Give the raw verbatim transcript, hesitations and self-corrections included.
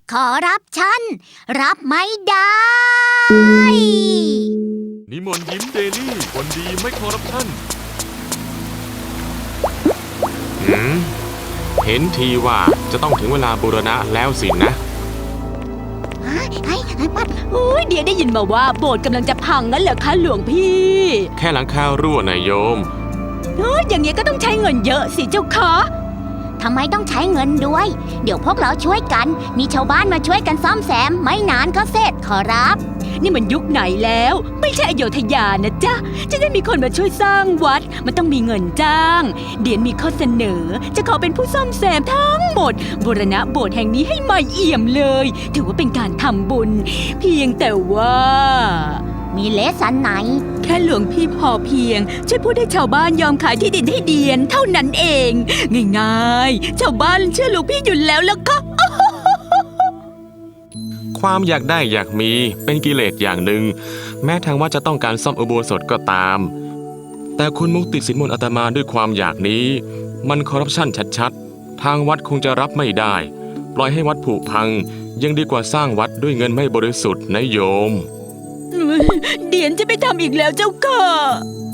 ขอรับฉันรับไม่ได้นิมนต์ยิ้มเดลี่คนดีไม่คอร์รัปชันหืมเห็นทีว่าจะต้องถึงเวลาบูรณะแล้วสินะไอ้ไอ้ไอ้ปัดโอ้ยเดี๋ยวได้ยินมาว่าโบสถ์กำลังจะพังงั้นเหรอคะหลวงพี่แค่หลังคารั่วนายโยมเอ้ยอย่างเงี้ยก็ต้องใช้เงินเยอะสิเจ้าคะทำไมต้องใช้เงินด้วย เดี๋ยวพวกเราช่วยกัน มีชาวบ้านมาช่วยกันซ่อมแซม ไม่นานก็เสร็จขอรับนี่มันยุคไหนแล้ว ไม่ใช่อโยธยานะจ๊ะจะได้มีคนมาช่วยสร้างวัด มันต้องมีเงินจ้าง เดียนมีข้อเสนอ จะขอเป็นผู้ซ่อมแซมทั้งหมดบูรณะโบสถ์แห่งนี้ให้ใหม่เอี่ยมเลย ถือว่าเป็นการทำบุญ เพียงแต่ว่ามีเลสันไหนแค่หลวงพี่พอเพียง ช่วยพูดให้ชาวบ้านยอมขายที่ดินให้เดียน เท่านั้นเอง ง่ายๆ ชาวบ้านเชื่อหลวงพี่อยู่แล้วล่ะค่ะความอยากได้อยากมีเป็นกิเลสอย่างหนึ่ง แม้ทางวัดจะต้องการซ่อมอุโบสถก็ตาม แต่คุณมุกติดสินบนอาตมาด้วยความอยากนี้ มันคอร์รัปชันชัดๆ ทางวัดคงจะรับไม่ได้ ปล่อยให้วัดผุพัง ยังดีกว่าสร้างวัดด้วยเงินไม่บริสุทธิ์นะโยมเดียนจะไม่ทำอีกแล้วเจ้าค่ะ